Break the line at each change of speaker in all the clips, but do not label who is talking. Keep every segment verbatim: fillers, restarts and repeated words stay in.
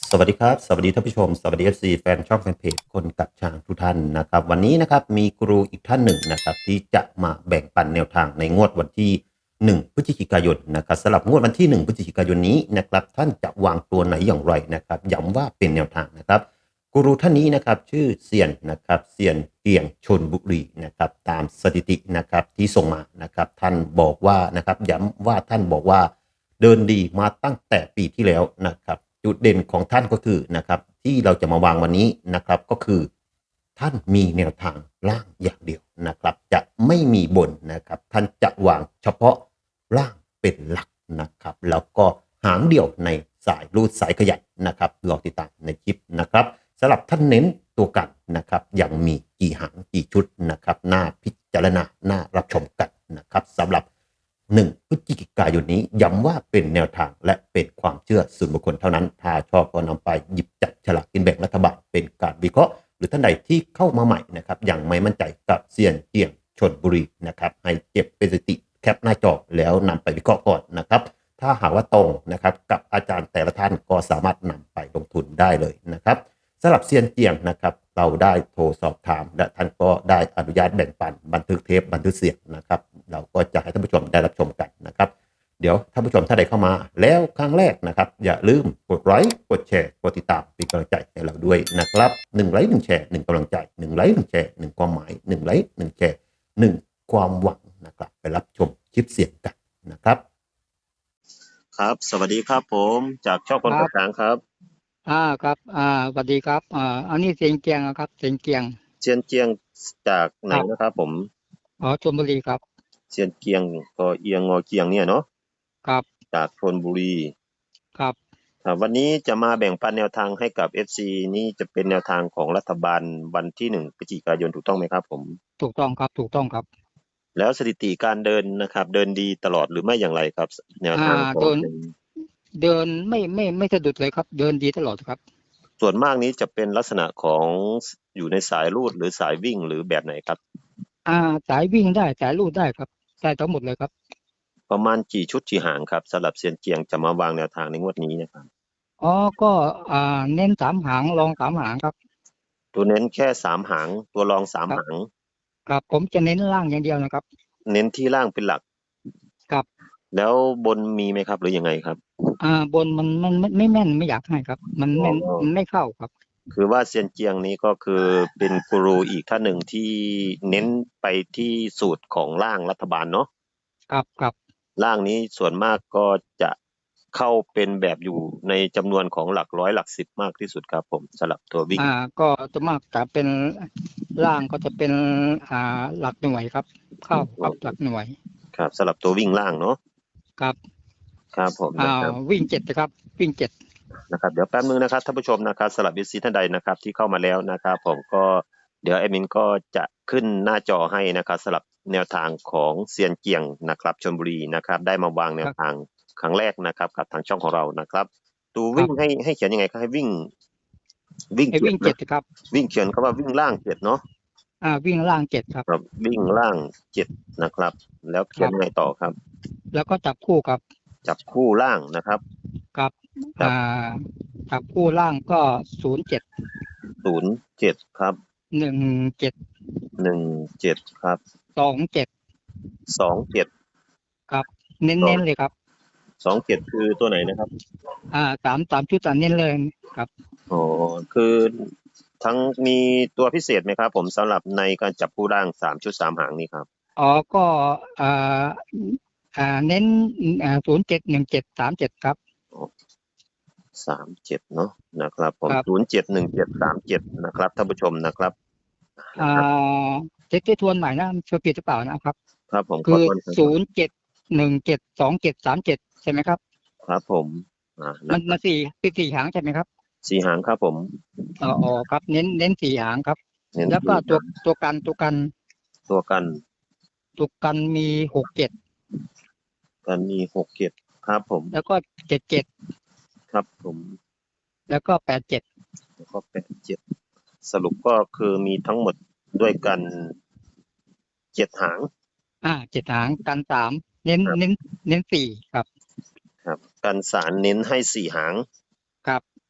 สวัสดีครับสวัสดีท่านผู้ชมสวัสดี เอฟ ซี แฟนช่องแฟนเพจคนกับช้างทุกท่านนะครับวันนี้นะครับมีครูอีกท่านหนึ่งนะครับที่จะมาแบ่งปันแนวทางในงวดวันที่หนึ่งพฤศจิกายนนะครับสำหรับงวดวันที่หนึ่งพฤศจิกายนนี้นะครับท่านจะวางตัวไหนอย่างไรนะครับย้ำว่าเป็นแนวทางนะครับกูรูท่านนี้นะครับชื่อเซียนนะครับเซียนเกียงชลบุรีนะครับตามสถิตินะครับที่ส่งมานะครับท่านบอกว่านะครับย้ำว่าท่านบอกว่าเดินดีมาตั้งแต่ปีที่แล้วนะครับ จุดเด่นของท่านก็คือนะครับที่เราจะมาวางวันนี้นะครับก็คือท่านมีแนวทางล่างอย่างเดียวนะครับจะไม่มีบนนะครับท่านจะวางเฉพาะล่างเป็นหลักนะครับแล้วก็หางเดี่ยวในสายรูดสายขยันนะครับรอติดตามในคลิปนะครับสำหรับท่านเน้นตัวกันนะครับยังมีกี่หางกี่ชุดนะครับหน้าพิจารณาหน้ารับชมกันนะครับสำหรับหนึ่งพฤศจิกายนนี้ย้ำว่าเป็นแนวทางและเป็นความเชื่อส่วนบุคคลเท่านั้นถ้าชอบก็นำไปหยิบจับฉลากกินแบ่งรัฐบาลเป็นการวิเคราะห์หรือท่านใดที่เข้ามาใหม่นะครับยังไม่มั่นใจกับเซียนเจียงชลบุรีนะครับให้เก็บเป็นสถิติแคปหน้าจอแล้วนำไปวิเคราะห์ก่อนนะครับถ้าหากว่าตรงนะครับกับอาจารย์แต่ละท่านก็สามารถนำไปลงทุนได้เลยนะครับสำหรับเซียนเจียงนะครับเราได้โทรสอบถามและท่านก็ได้อนุญาตแบ่งปันบันทึกเทปบันทึกเสียงนะครับเราก็จะให้ท่านผู้ชมได้รับชมกันนะครับเดี๋ยวท่านผู้ชมถ้าใดเข้ามาแล้วครั้งแรกนะครับอย่าลืมกดไลค์กดแชร์กดติดตามเป็นกำลังใจให้เราด้วยนะครับหนึ่งไลค์หนึ่งแชร์หนึ่งกำลังใจหนึ่งไลค์หนึ่งแชร์หนึ่งความหมายหนึ่งไลค์หนึ่งแชร์หนึ่งความหวังนะครับไปรับชมคลิปเสียงกันนะครับครับสวัสดีครับผมจากช่องคนกับช้างครับ
อ่าครับอ่าสวัสดีครับอ่าอันนี้เสียงเกียงนะครับเสียงเกียง
เชียนเจียงจากไหนนะครับผม
อ๋อชลบุรีครับ
เชียนเกียงก็เอียงงอเกียงเนี่ยเนาะ
ครับ
จากชลบุรี
ครับ
ครับวันนี้จะมาแบ่งปันแนวทางให้กับ เอฟ ซี นี่จะเป็นแนวทางของรัฐบาลวันที่หนึ่งพฤศจิกายนถูกต้องไหมครับผม
ถูกต้องครับถูกต้องครับ
แล้วสถิติการเดินนะครับเดินดีตลอดหรือไม่อย่างไรครับแนว
อ่า
ทางของ
เดินเดินไม่ไม่ไม่สะดุดเลยครับเดินดีตลอดครับ
ส่วนมากนี้จะเป็นลักษณะของอยู่ในสายรูดหรือสายวิ่งหรือแบบไหนครับ
อ่าสายวิ่งได้สายลู่ได้ครับได้ทั้งหมดเลยครับ
ประมาณกี่ชุดกี่หางครับสำหรับเซียนเจียงจะมาวางแนวทางในงวดนี้นะครับ
อ๋อก็อ่าเน้นสามหางรองสามหางครับ
ตัวเน้นแค่สามหางตัวรองสาม
ครับ
หาง
ครับผมจะเน้นล่างอย่างเดียวนะครับ
เน้นที่ล่างเป็นหลัก
ครับ
แล้วบนมีไหมครับหรือยังไงครับ
อ่าบนมันมันไม่ไม่แม่นไม่อยากให้ครับมัน
อ๋
ไม่
อ
มันไม่เข้าครับ
คือว่าเซียนเจียงนี้ก็คือเป็นกูรูอีกท่านหนึ่งที่เน้นไปที่สูตรของร่างรัฐบาลเนาะ
ครับครับ
ร่างนี้ส่วนมากก็จะเข้าเป็นแบบอยู่ในจำนวนของหลักร้อยหลักสิบมากที่สุดครับผมสำหรับตัววิ่ง
อ่าก็จะมากจะเป็นล่างก็จะเป็นอ่าหลักหน่วยครับเข้าครับหลักหน่วย
ครับสำหรับตัววิ่งล่างเนาะ
ครับ
ครับผม
อ่า
นะครับ
วิ่งเจ็ดนะครับวิ่งเจ็ด
นะครับเดี๋ยวแป๊บนึงนะครับท่านผู้ชมนะครับสำหรับวิซีท่านใดนะครับที่เข้ามาแล้วนะครับผมก็เดี๋ยวแอดมินก็จะขึ้นหน้าจอให้นะครับสำหรับแนวทางของเซียนเกียงนะครับชลบุรีนะครับได้มาวางแนวทางครั้งแรกนะครับกับทางช่องของเรานะครับตูวิ่งให้ให้เขียนยังไงครับให้วิ่งวิ่ง
ไอ้
เจ็ด
วิ่งเจ็
นะ
ดครับ
วิ่งเขียนคำว่าวิ่งล่างเจ็ดเนาะ
อ่าวิ่งล่างเจ็ดครับ
ครับวิ่งล่างเจ็ดนะครับแล้ว
ค
เขียน
รับ
ยังไงต่อครับ
แล้วก็จับคู่ครับ
จับคู่ล่างนะครับ
กับ
จับ
อ่าจับคู่ล่างก็ศูนย์เจ็ด
ศูนย์เจ็ดครับ
หนึ่งเจ็ด
หนึ่งเจ็ดครับ
สองเจ็ด
สองเจ็ด
ครับเน้นเน้นเลยครับ
สองเจ็ดคือตัวไหนนะครับ
อ่าสามสามชุดตัดเน้นเลยครับ
อ๋อคือทั้งมีตัวพิเศษไหมครับผมสำหรับในการจับคู่ร่างสามชุดสามหางนี้ครับ
อ๋อก็อ่าอ่าเน้นอ่าศูนย์เจ็ดหนึ่งเจ็ดสามเจ็ดครับ
สามเจ็ดเนาะนะครับผม
ครับ
ศูนย์เจ็ดหนึ่งเจ็ดสามเจ็ดนะครับท่านผู้ชมนะครับ
อ่าเช็คทวนใหม่นะช่วยผิดหรือเปล่านะครับ
ครับผมข
คือ
อโทษครับ
ศูนย์เจ็ดหนึ่งเจ็ดสองเจ็ดสามเจ็ดใช่ไหมครับ
ครับผมอ่า
มั
นะ
นมาสี่เป็นสี่หางใช่ไหมครับ
สี่หางครับผม
อ๋ออ๋อครับเน้นเน้นสี่หางครับ
เน้น
แล้วก็
สี่
ตัว
หาง
ตัวกันตัวกัน
ตัวกัน
ตัวกันมีหกเจ็ด
กันมีหกเจ็ดครับผม
แล้วก็เจ็ดเจ็ด
ครับผม
แล้วก็แปดเจ็ด
แล้วก็แปดเจ็ดสรุปก็คือมีทั้งหมดด้วยกันเจ็ดหาง
อ่าเจ็ดหางกันสามเน้นเน้นเน้นสี่ครับ
ครับกันสารเน้นให้สี่หาง
ครับ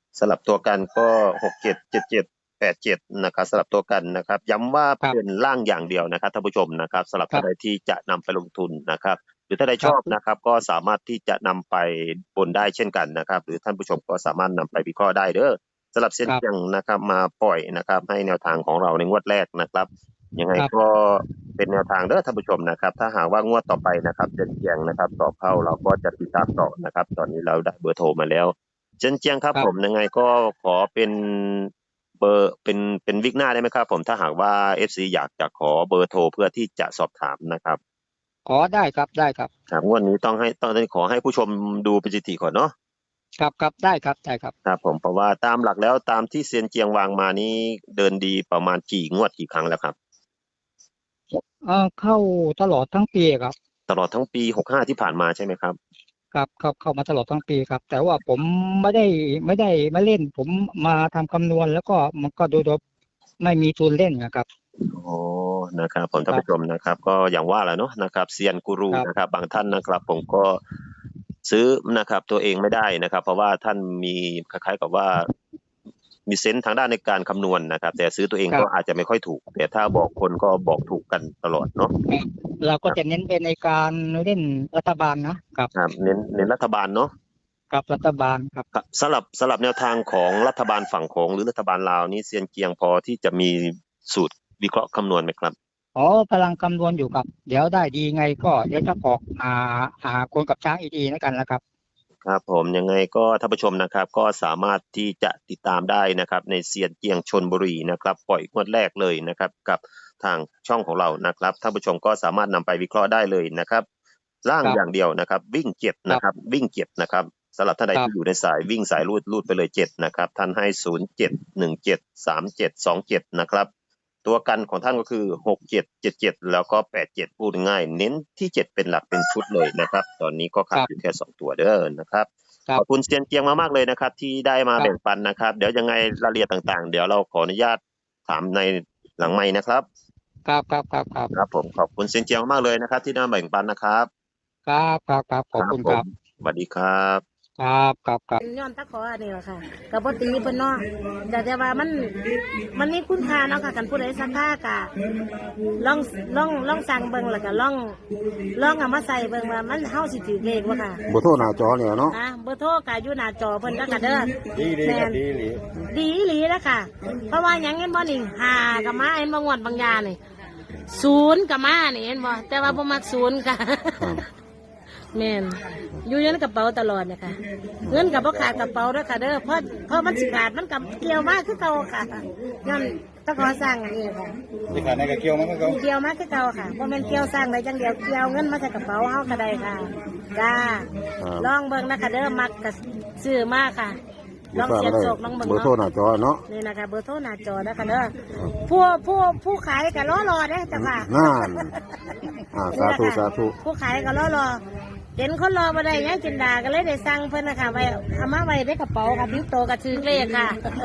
สลับตัวกันก็หกเจ็ดเจ็ดเจ็ดแปดเจ็ดนะครับสลับตัวกันนะครับย้ำว่า
ครับ
เป็นล่างอย่างเดียวนะครับท่านผู้ชมนะครับสำหรับ
ครับ
ท่านใดที่จะนำไปลงทุนนะครับหรือถ้าใด
ค
ช
รับ
อบนะครับก็สามารถที่จะนำไปบนได้เช่นกันนะครับหรือท่านผู้ชมก็สามารถนำไปวิเคราะห์ได้เด้อสำหรับเส้น
ครับ
เจียงนะครับมาปล่อยนะครับให้แนวทางของเราในงวดแรกนะครับยังไง
ครับ
ก็เป็นแนวทางเด้อท่านผู้ชมนะครับถ้าหากว่างวดต่อไปนะครับเส้นเจียงนะครับสอบเข้าเราก็จะติดตามต่อนะครับตอนนี้เราได้เบอร์โทรมาแล้วเส้นเจียงครับ
ครับ
ผมยังไงก็ขอเป็นเบอร์เป็นเป็นวิกหน้าได้ไหมครับผมถ้าหากว่า เอฟ ซี อยากจะขอเบอร์โทรเพื่อที่จะสอบถามนะครับ
ขอได้ครับได้ครับ
ครับงวดนี้ต้องให้ต้องขอให้ผู้ชมดูเป็นสถิติก่อนเนาะ
ครับครับได้ครับได้ครับ
ครับผมเพราะว่าตามหลักแล้วตามที่เซียนเจียงวางมานี้เดินดีประมาณกี่งวดกี่ครั้งแล้วครับ
เอ่อเข้าตลอดทั้งปีครับ
ตลอดทั้งปีหกสิบห้าที่ผ่านมาใช่ไหมครับ
ครับเข้าเข้ามาตลอดทั้งปีครับ แต่ว่าผมไม่ได้ไม่ได้มาเล่น ผมมาทำคำนวณแล้วก็มันก็ดูดูไม่มีทุนเล่นนะครับ
โอ้นะครับผมท่านผู้ชมนะครับ ก็อย่างว่าแหละเนาะนะครับเซียนกูรู
ครับ
นะครับ บางท่านนะครับ ผมก็ซื้อนะครับตัวเองไม่ได้นะครับ เพราะว่าท่านมีคล้ายๆกับว่า มีเซนส์ทางด้านในการคำนวณนะครับ แต่ซื้อตัวเอง
ครับ
ก็อาจจะไม่ค่อยถูก แต่ถ้าบอกคนก็บอกถูกกันตลอดเนาะ
เราก็จะเน้นเป็นในการเล่นรัฐบาลนะครับ
ครับเน้นเน้นรัฐบาลเนาะ
กับรัฐบาลครับ
ครับสำหรับสำหรับแนวทางของรัฐบาลฝั่งโขงหรือรัฐบาลลาวนี่เซียนเกียงพอที่จะมีสูตรวิเคราะห์คำนวณไหมครับ
อ๋อพลังคำนวณอยู่ครับ เดี๋ยวได้ดีไงก็เดี๋ยวจะออกหาหาคนกับช้างอีกทีแล้วกันนะครับ
ครับผมยังไงก็ท่านผู้ชมนะครับ ก็สามารถที่จะติดตามได้นะครับ ในเซียนเกียงชลบุรีนะครับ ปล่อยงวดแรกเลยนะครับ กับทางช่องของเรานะครับท่านผู้ชมก็สามารถนำไปวิเคราะห์ได้เลยนะครับร่าง
ครับ
อย่างเดียวนะครับ วิ่งเจ็ดนะครับ วิ่งเจ็ดนะครับสำหรับท่านใด
ครับ
ที่อยู่ในสายวิ่งสายรูดรูดไปเลยเจ็ดนะครับท่านให้ศูนย์เจ็ดหนึ่งเจ็ดสามเจ็ดสองเจ็ดนะครับ ตัวกันของท่านก็คือหกเจ็ดเจ็ดเจ็ดแล้วก็แปดเจ็ดพูดง่ายเน้นที่เจ็ดเป็นหลักเป็นชุดเลยนะครับ ตอนนี้ก็ขาดอยู่แค่สองตัวเด้อนะครับ
ครับ
ขอบคุณเซียนเจียงมากๆเลยนะครับ ที่ได้มา
ครับ
แบ่งปันนะครับ เดี๋ยวยังไงรายละเอียดต่างๆ เดี๋ยวเราขออนุญาตถามในหลังไมค์นะครับ
ครับครับครับครับ
ครับผมขอบคุณเซียนเจียงมากๆเลยนะครับ ที่ได้มาแบ่งปันนะครับ
ครับครับครับขอบคุณครับ
ผมสวัสดีครับ
ครับครับครับ
ย้อนตะขออันนี้แหละค่ะกับปตีเพิ่นเนาะแต่แต่ว่ามันมันมีคุณค่าเนาะค่ะกันผู้ใดสักค่ากะลองลองลองสั่งเบิ่งแล้วก็ลองลองเอามาใส่เบิ่งว่ามันเฮาสิถือเลขบ่ค่ะ
บ่โทรหน้าจอเนี่ยเนาะ
นะเบอร์โทรก็อยู่หน้าจอเพิ่นแล้วก็เด้อ
ดีดี
แม่
ครับ
น
ดีดี
ดีอีหลีแล้วค่ะ เพราะว่าหยังเห็นบ่นี่หากับมาเห็นบ่งวดบางยานี่ศูนย์กับมานี่เห็นบ่แต่ว่าบ่มักศูนย์ค่ะ แม่นอยู่ในกระเป๋าตลอดเนี่ยค่ะเงินกับพ่ขาดกระเป๋าด้วยค่ะเด้อเพราะเพราะมันสิขาดมันกับเกี่ยวมากคือเก่าค่ะย้อนต้องขอสร้างอันนี้ค่ะ
ที่ขาดในกระเกี่ยวมันก็
เกี่ยวมากคือเก่าค่ะเพราะมันเกี่ยวสร้างได้จังเดียวเกี่ยวเงินมาใส่กระเป๋าเฮาก็ได้ค่ะจ้าลองเบิ่งนะคะเด้อมักกับซื้อมากค่ะลองเสียบโศกลองเบิ่ง
บ่โทรห
เนาะ
น้าจอเนาะ
นี่นะคะเบอร์โทรหน้าจอนะคะเด้อผู้ผู้ผู้ขายก็รอรอเด้อจ้ะค่ะ
นั่นอ่าสาธุสาธุ
ผู้ขายก็รอรอเห็นคนรอมาได้ยังจินดาก็เลยได้สั่งเพิ่นนะคะไว้เอามาไว้ในกระเป๋าค่ะบิ้วโตกับชื่อเลขค่ะ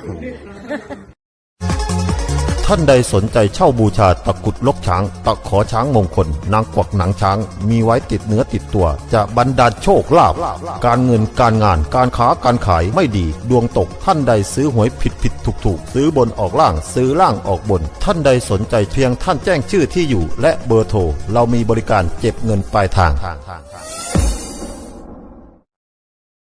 ท่านใดสนใจเช่าบูชาตะกรุดลกช้าง ตะขอช้างมงคล นางกวักหนังช้าง มีไว้ติดเนื้อติดตัว จะบรรดาลโชคลาภการเงินการงานการค้าการขายไม่ดี ดวงตกท่านใดซื้อหวยผิดผิดถูกถูกซื้อบนออกล่างซื้อล่างออกบน ท่านใดสนใจเพียงท่านแจ้งชื่อที่อยู่ และเบอร์โทรเรามีบริการเก็บเงินปลายทาง